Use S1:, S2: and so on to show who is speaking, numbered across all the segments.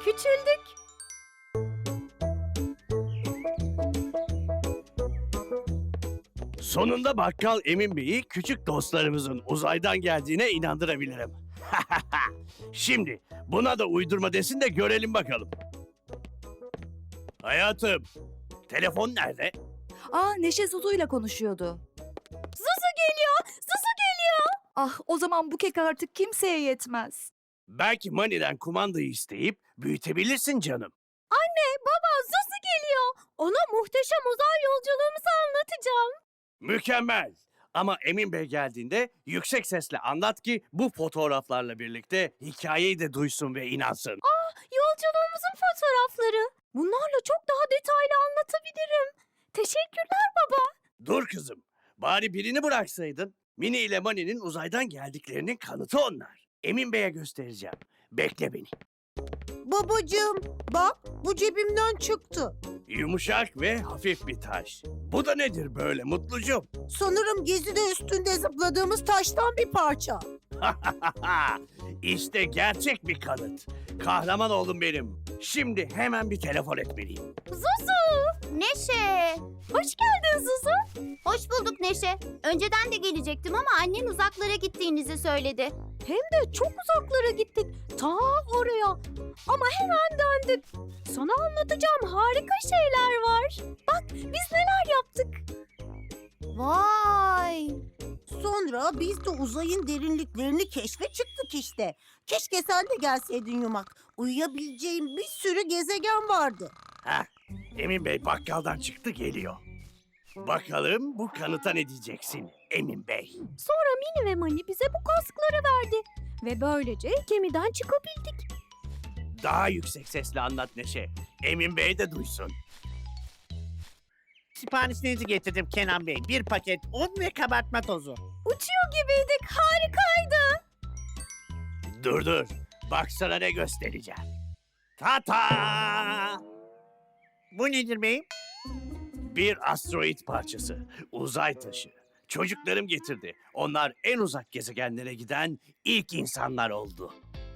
S1: küçüldük.
S2: Sonunda Bakkal Emin Bey'i küçük dostlarımızın uzaydan geldiğine inandırabilirim. Şimdi buna da uydurma desin de görelim bakalım. Hayatım, telefon nerede?
S1: Neşe Zuzu'yla konuşuyordu. Zuzu geliyor, Zuzu geliyor. Ah, o zaman bu kek artık kimseye yetmez.
S2: Belki Mani'den kumandayı isteyip büyütebilirsin canım.
S1: Baba, Zuzu geliyor. Ona muhteşem uzay yolculuğumuzu anlatacağım.
S2: Mükemmel. Ama Emin Bey geldiğinde yüksek sesle anlat ki bu fotoğraflarla birlikte hikayeyi de duysun ve inansın.
S1: Yolculuğumuzun fotoğrafları. Bunlarla çok daha detaylı anlatabilirim. Teşekkürler baba.
S2: Dur kızım. Bari birini bıraksaydın. Mini ile Mani'nin uzaydan geldiklerinin kanıtı onlar. Emin Bey'e göstereceğim. Bekle beni.
S3: Babacığım, bak bu cebimden çıktı.
S2: Yumuşak ve hafif bir taş. Bu da nedir böyle Mutlucuğum?
S3: Sanırım gezide üstünde zıpladığımız taştan bir parça.
S2: İşte gerçek bir kanıt. Kahraman oğlum benim. Şimdi hemen bir telefon etmeliyim.
S4: Zuzu! Neşe! Hoş geldin Zuzu. Hoş bulduk Neşe. Önceden de gelecektim ama annen uzaklara gittiğinizi söyledi.
S1: Hem de çok uzaklara gittik. Ta oraya. Ama hemen döndük. Sana anlatacağım harika şeyler var. Bak biz neler yaptık.
S4: Vay!
S3: Sonra biz de uzayın derinliklerini keşfe çıktık işte. Keşke sen de gelseydin Yumak. Uyuyabileceğim bir sürü gezegen vardı.
S2: Heh, Emin Bey bakkaldan çıktı geliyor. Bakalım bu kanıta ne diyeceksin Emin Bey?
S1: Sonra Mini ve Mani bize bu kaskları verdi. Ve böylece gemiden çıkabildik.
S2: Daha yüksek sesle anlat Neşe. Emin Bey de duysun.
S5: Siparişlerinizi getirdim Kenan Bey. Bir paket un ve kabartma tozu.
S1: Uçuyor gibiydik. Harikaydı.
S2: Dur. Bak sana ne göstereceğim. Ta!
S5: Bu nedir beyim?
S2: Bir asteroid parçası. Uzay taşı. Çocuklarım getirdi. Onlar en uzak gezegenlere giden ilk insanlar oldu.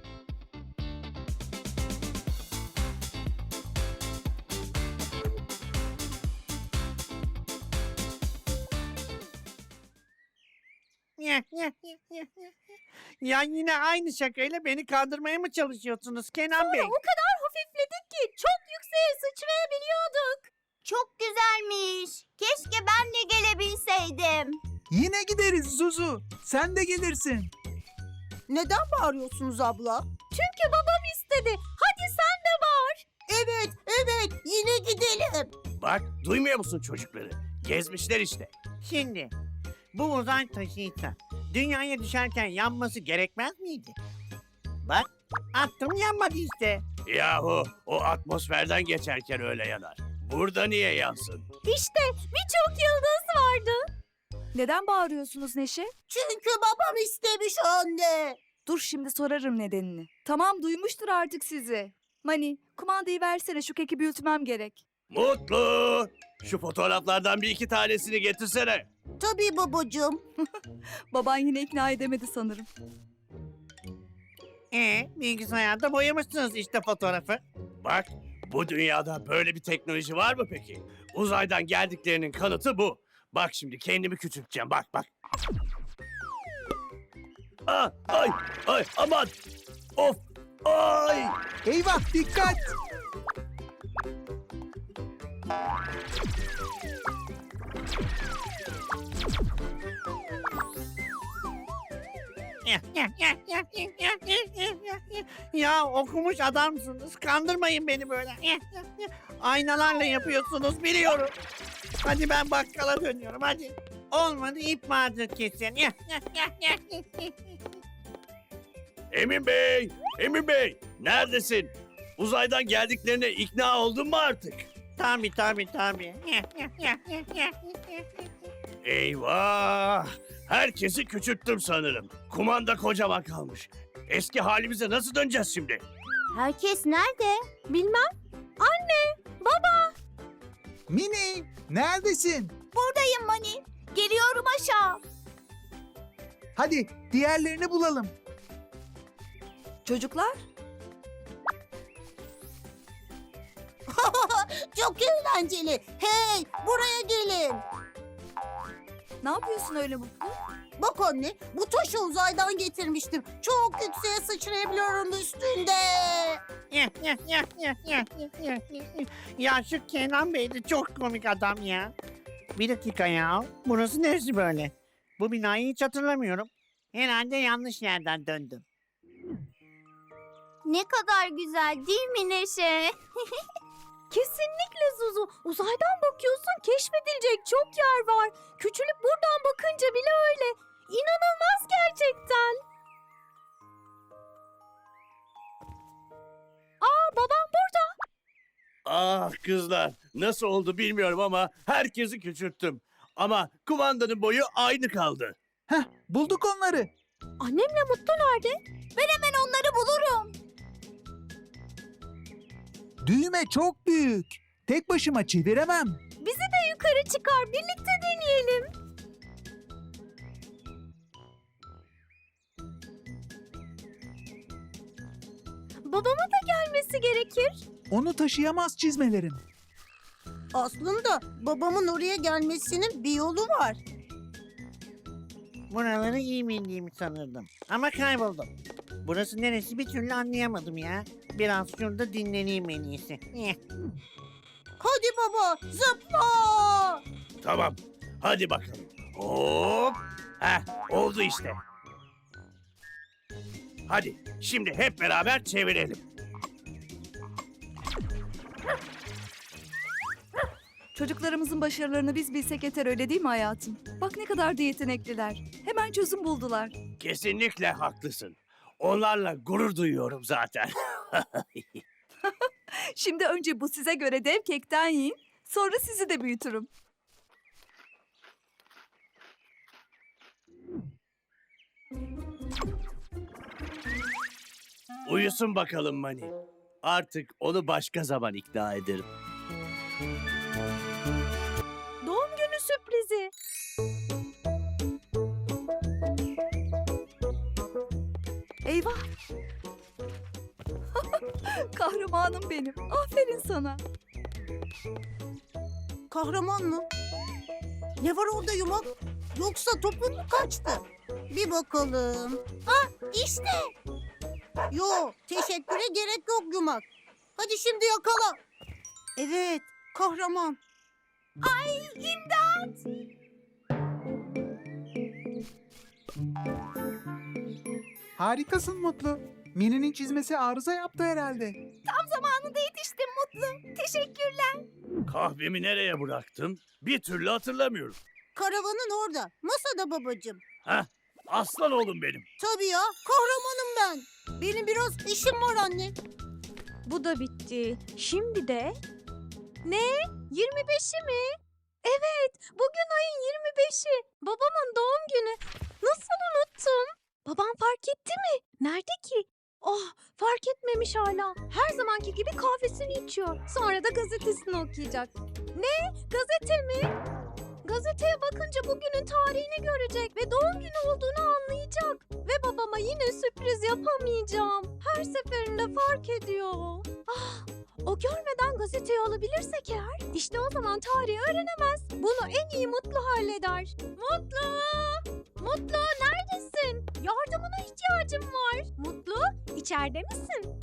S5: Ya yine aynı şakayla beni kandırmaya mı çalışıyorsunuz Kenan Bey?
S1: O kadar hafifledik ki çok yükseğe sıçrayabiliyorduk.
S4: Çok güzelmiş. Keşke ben de gelebilseydim.
S6: Yine gideriz Zuzu. Sen de gelirsin.
S3: Neden bağırıyorsunuz abla?
S1: Çünkü babam istedi. Hadi sen de var.
S3: Evet, yine gidelim.
S2: Bak duymuyor musun çocukları? Gezmişler işte.
S5: Şimdi bu uzay taşıysa dünyaya düşerken yanması gerekmez miydi? Bak attım yanmadı işte.
S2: Yahu o atmosferden geçerken öyle yanar. Burada niye yansın?
S1: İşte birçok yıldız vardı. Neden bağırıyorsunuz Neşe?
S3: Çünkü babam istemiş anne.
S1: Dur şimdi sorarım nedenini. Tamam duymuştur artık sizi. Mani kumandayı versene şu keki büyütmem gerek.
S2: Mutlu! Şu fotoğraflardan bir iki tanesini getirsene.
S3: Tabii babacığım.
S1: Baban yine ikna edemedi sanırım.
S5: Bilgisayarda boyamışsınız işte fotoğrafı.
S2: Bak bu dünyada böyle bir teknoloji var mı peki? Uzaydan geldiklerinin kanıtı bu. Bak şimdi kendimi küçülteceğim bak. Ay aman. Of ay.
S6: Eyvah dikkat.
S5: Ya okumuş adamsınız. Kandırmayın beni böyle. Aynalarla yapıyorsunuz biliyorum. Hadi ben bakkala dönüyorum hadi. Olmadı ip mağdur kesin.
S2: Emin Bey neredesin? Uzaydan geldiklerine ikna oldun mu artık?
S5: Tabii.
S2: Eyvah! Herkesi küçülttüm sanırım. Kumanda kocaman kalmış. Eski halimize nasıl döneceğiz şimdi?
S4: Herkes nerede?
S1: Bilmem. Anne, baba.
S6: Mini neredesin?
S4: Buradayım Mani. Geliyorum aşağı.
S6: Hadi diğerlerini bulalım.
S1: Çocuklar.
S3: Çok eğlenceli. Hey, buraya gelin.
S1: Ne yapıyorsun öyle Mutlu?
S3: Bak anne, bu taşı uzaydan getirmiştim. Çok yükseğe sıçrayabiliyorum üstünde.
S5: Ya şu Kenan Bey de çok komik adam ya. Bir dakika ya. Burası neresi böyle? Bu binayı hiç hatırlamıyorum. Herhalde yanlış yerden döndüm.
S4: Ne kadar güzel değil mi Neşe?
S1: Kesinlikle Zuzu. Uzaydan bakıyorsun, keşfedilecek çok yer var. Küçülüp buradan bakınca bile öyle. İnanılmaz gerçekten. Aa, babam burada.
S2: Ah kızlar, nasıl oldu bilmiyorum ama herkesi küçülttüm. Ama kumandanın boyu aynı kaldı.
S6: Heh, bulduk onları.
S1: Annemle Mutlu nerede?
S4: Ben hemen onları bulurum.
S6: Düğme çok büyük. Tek başıma çeviremem.
S1: Bizi de yukarı çıkar, birlikte deneyelim. Babama da gelmesi gerekir.
S6: Onu taşıyamaz çizmelerim.
S3: Aslında babamın oraya gelmesinin bir yolu var.
S5: Buraları iyi bildiğimi sanırdım. Ama kayboldum. Burası neresi bir türlü anlayamadım ya. Biraz şurada dinleneyim en iyisi.
S3: Hadi baba, zıpla.
S2: Tamam, hadi bakalım. Hop! Heh, oldu işte. Hadi, şimdi hep beraber çevirelim.
S7: Çocuklarımızın başarılarını biz bilsek yeter, öyle değil mi hayatım? Bak ne kadar da yetenekliler. Hemen çözüm buldular.
S2: Kesinlikle haklısın. Onlarla gurur duyuyorum zaten.
S7: Şimdi önce bu size göre dev kekten yiyin. Sonra sizi de büyütürüm.
S2: Uyusun bakalım Mani. Artık onu başka zaman ikna ederim.
S1: Doğum günü sürprizi.
S7: Eyvah! Kahramanım benim. Aferin sana.
S3: Kahraman mı? Ne var orada yumak? Yoksa topun mu kaçtı? Bir bakalım. Ha, işte. Yo, teşekküre gerek yok yumak. Hadi şimdi yakala. Evet, kahraman.
S6: Harikasın Mutlu. Mini'nin çizmesi arıza yaptı herhalde.
S4: Zamanında yetiştim Mutlu. Teşekkürler.
S2: Kahvemi nereye bıraktım? Bir türlü hatırlamıyorum.
S3: Karavanın orada. Masada babacığım.
S2: Heh, aslan oğlum benim.
S3: Tabii ya, kahramanım ben. Benim biraz işim var anne.
S1: Bu da bitti. Şimdi de... Ne? 25'i mi? Evet, bugün ayın 25'i. Babamın doğum günü. Nasıl unuttum? Babam fark etti mi? Nerede ki? Oh, fark etmemiş hala. Her zamanki gibi kahvesini içiyor. Sonra da gazetesini okuyacak. Ne? Gazete mi? Gazeteye bakınca bugünün tarihini görecek ve doğum günü olduğunu anlayacak. Ve babama yine sürpriz yapamayacağım. Her seferinde fark ediyor. Ah, o görmeden gazeteyi alabilirsek eğer, işte o zaman tarihi öğrenemez. Bunu en iyi Mutlu halleder. Mutlu! Mutlu neredesin? Yardımına ihtiyacım var. Mutlu, içeride misin?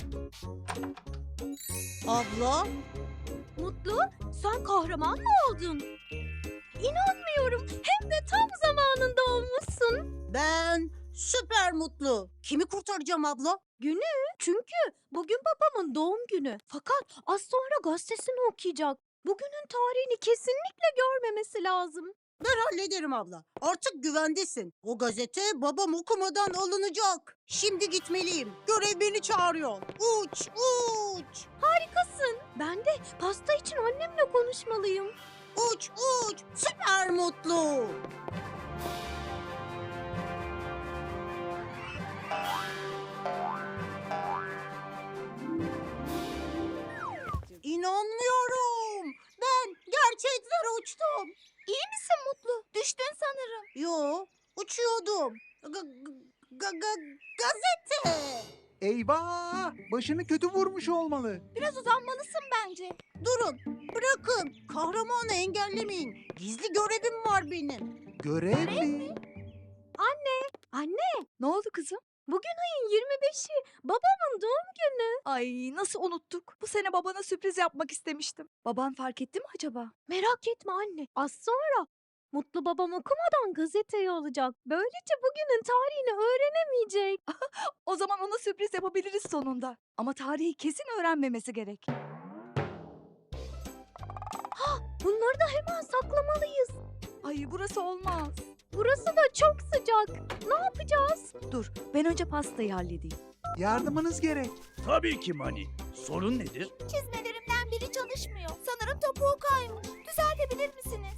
S3: Abla,
S1: Mutlu, sen kahraman mı oldun? İnanmıyorum. Hem de tam zamanında olmuşsun.
S3: ben süper mutlu. Kimi kurtaracağım abla?
S1: Çünkü bugün babamın doğum günü. Fakat az sonra gazetesini okuyacak. Bugünün tarihini kesinlikle görmemesi lazım.
S3: Ben hallederim abla. Artık güvendesin. O gazete babam okumadan alınacak. Şimdi gitmeliyim. Görev beni çağırıyor. Uç, uç.
S1: Harikasın. Ben de pasta için annemle konuşmalıyım.
S3: Uç, uç. Süper mutlu. İnanmıyorum. Ben gerçekten uçtum.
S4: İyi misin Mutlu? Düştün sanırım.
S3: Yo, uçuyordum. Gazete.
S6: Eyvah! Başını kötü vurmuş olmalı.
S4: Biraz uzanmalısın bence.
S3: Durun, bırakın. Kahramanı engellemeyin. Gizli görevim var benim.
S6: Görev mi?
S1: Anne,
S7: Ne oldu kızım?
S1: bugün ayın 25'i. Babamın doğum günü.
S7: Ay nasıl unuttuk? Bu sene babana sürpriz yapmak istemiştim. Baban fark etti mi acaba?
S1: Merak etme anne. Az sonra Mutlu babam okumadan gazeteyi alacak. Böylece bugünün tarihini öğrenemeyecek.
S7: O zaman ona sürpriz yapabiliriz sonunda. Ama tarihi kesin öğrenmemesi gerek.
S1: Bunları da hemen saklamalıyız.
S7: Ay burası olmaz.
S1: Burası da çok sıcak. Ne yapacağız?
S7: Dur ben önce pastayı halledeyim.
S6: Yardımınız gerek.
S2: Tabii ki Mani. Sorun nedir?
S4: Çizmelerimden biri çalışmıyor. Sanırım topuğu kaymış. Düzeltebilir misiniz?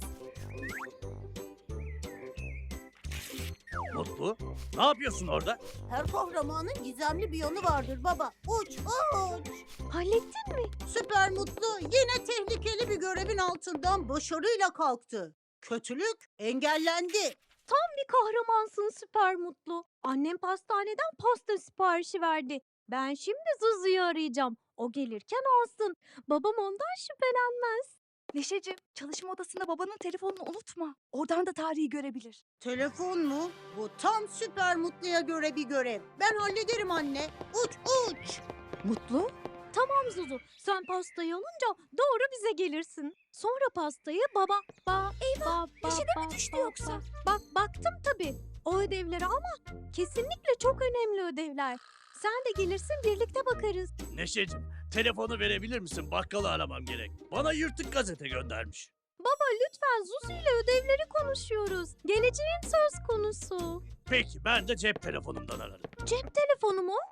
S2: Mutlu. Ne yapıyorsun orada?
S3: Her kahramanın gizemli bir yanı vardır baba. Uç, uç.
S1: Hallettin mi?
S3: Süper Mutlu yine tehlikeli bir görevin altından başarıyla kalktı. Kötülük engellendi.
S1: Bir kahramansın süper mutlu. Annem pastaneden pasta siparişi verdi. Ben şimdi Zuzu'yu arayacağım. O gelirken alsın. Babam ondan şüphelenmez.
S7: Neşeciğim çalışma odasında babanın telefonunu unutma. Oradan da tarihi görebilir.
S3: Telefon mu? Bu tam Süper Mutlu'ya göre bir görev. Ben hallederim anne. Uç, uç.
S7: Mutlu?
S1: Tamam Zuzu. Sen pastayı alınca doğru bize gelirsin. Sonra pastayı baba... Eyvah!
S4: Neşe'de mi düştü yoksa?
S1: Baktım tabii. O ödevleri ama kesinlikle çok önemli ödevler. Sen de gelirsin birlikte bakarız.
S2: Neşeciğim, telefonu verebilir misin? Bakkalı aramam gerek. Bana yırtık gazete göndermiş.
S1: Baba lütfen Zuzu ile ödevleri konuşuyoruz. Geleceğin söz konusu.
S2: Peki, ben de cep telefonumdan ararım.
S1: Cep telefonu mu?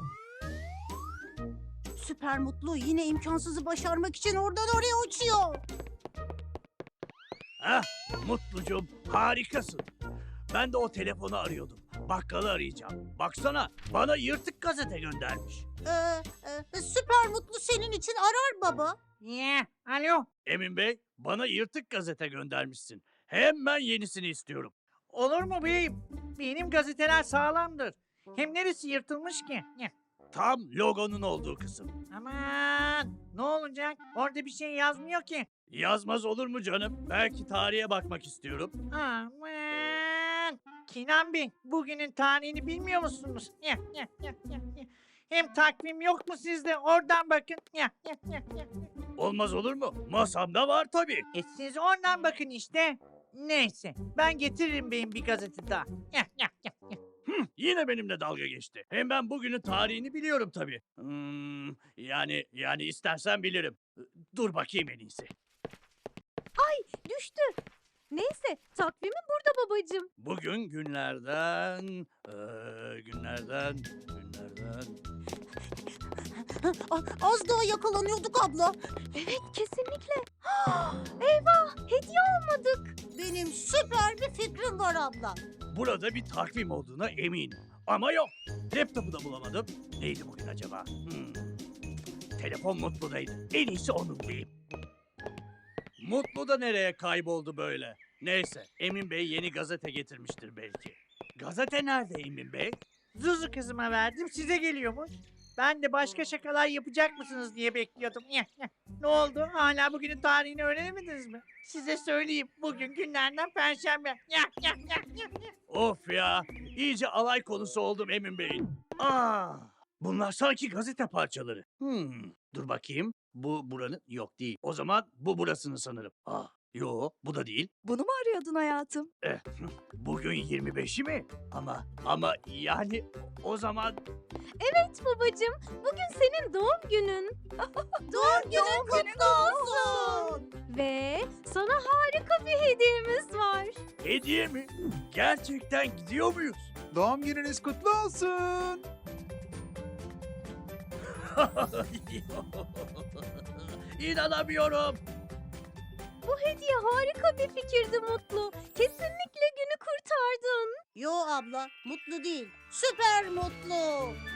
S3: Süper Mutlu yine imkansızı başarmak için oradan oraya uçuyor.
S2: Hah, Mutlucuğum, harikasın. Ben de o telefonu arıyordum. Bakkalı arayacağım. Baksana, bana yırtık gazete göndermiş.
S3: Süper Mutlu senin için arar baba.
S5: Alo.
S2: Emin Bey, bana yırtık gazete göndermişsin. Hemen yenisini istiyorum.
S5: Olur mu beyim? Benim gazeteler sağlamdır. Hem neresi yırtılmış ki?
S2: Tam logonun olduğu kısım.
S5: Aman ne olacak? Orada bir şey yazmıyor ki.
S2: Yazmaz olur mu canım? Belki tarihe bakmak istiyorum.
S5: Aman. Kinan Bey bugünün tarihini bilmiyor musunuz? Hem takvim yok mu sizde? Oradan bakın.
S2: Olmaz olur mu? Masamda var tabii.
S5: Siz oradan bakın işte. Neyse ben getiririm beyim bir gazete daha.
S2: Yine benimle dalga geçti. Hem ben bugünün tarihini biliyorum tabii. Yani istersen bilirim. Dur bakayım en iyisi.
S1: Düştü. Neyse takvimi burada babacığım.
S2: Bugün günlerden...
S3: Az daha yakalanıyorduk abla.
S1: Evet kesinlikle. Eyvah hediye almadık.
S3: Benim süper bir fikrim var abla.
S2: Burada bir takvim olduğuna eminim. Ama yok. Laptopu da bulamadım. Neydi bugün acaba? Telefon Mutlu'daydı. En iyisi onu bulayım. Mutlu da nereye kayboldu böyle? Neyse, Emin Bey yeni gazete getirmiştir belki. Gazete nerede Emin Bey?
S5: Zuzu kızıma verdim size geliyormuş. Ben de başka şakalar yapacak mısınız diye bekliyordum. Ne oldu? Hala bugünün tarihini öğrenemediniz mi? Size söyleyeyim. Bugün günlerden Perşembe.
S2: Of ya, iyice alay konusu oldum Emin Bey'in. Bunlar sanki gazete parçaları. Dur bakayım. Bu buranın yok değil. O zaman bu burasını sanırım. Yok, bu da değil.
S7: Bunu mu arıyordun hayatım?
S2: Bugün 25'i mi? Ama yani o zaman
S1: Evet babacığım bugün senin doğum günün.
S3: Doğum günün kutlu olsun.
S1: Ve sana harika bir hediyemiz var.
S2: hediye mi? Gerçekten gidiyor muyuz?
S6: Doğum gününüz kutlu olsun.
S2: İnanamıyorum.
S1: Bu hediye harika bir fikirdi Mutlu. Kesinlikle günü kurtardın.
S3: Yo abla, mutlu değil. Süper Mutlu.